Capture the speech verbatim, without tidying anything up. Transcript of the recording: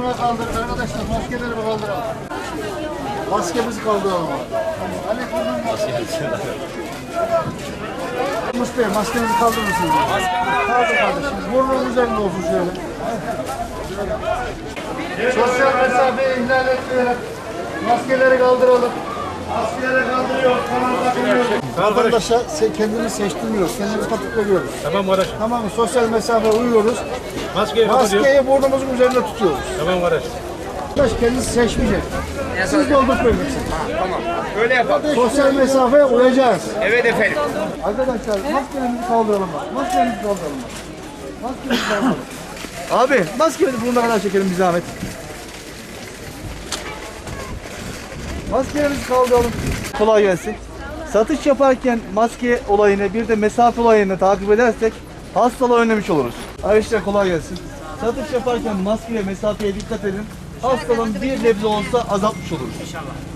burnuna kaldır arkadaşlar. Maskeleri bir kaldıralım. Maskemizi kaldıralım. Ali burnun maskesi. Mustafa Bey maskenizi kaldırır mısınız? Kaldır kardeşim. Burnunun üzerinde olsun şöyle. Sosyal mesafeyi ihlal etmeyelim. Maskeleri kaldıralım. Maskeleri kaldırıyor. Vatandaşa kendini seçtirmiyoruz. Kendimizi katıp veriyoruz. Tamam kardeş. Tamam mı? Sosyal mesafe uyuyoruz. Maskeyi Maskeyi burnumuzun üzerinde tutuyoruz. Tamam kardeş. Arkadaş kendisi seçmeyecek. Siz doldurtmayacaksınız. Tamam. Öyle yapalım. Sosyal mesafeye uyacağız. Evet efendim. Arkadaşlar maskelerimizi kaldıralım bak. Maskelerimizi kaldıralım bak. Maskelerimizi kaldıralım. Abi maskemizi burnuna kadar çekelim bir zahmet. Maskelerimizi kaldıralım. Kolay gelsin. Satış yaparken maske olayını bir de mesafe olayını takip edersek hastalığı önlemiş oluruz. Arkadaşlar kolay gelsin. Satış yaparken maske ve mesafeye dikkat edin. Hastalığın bir nebze olsa azaltmış oluruz. İnşallah.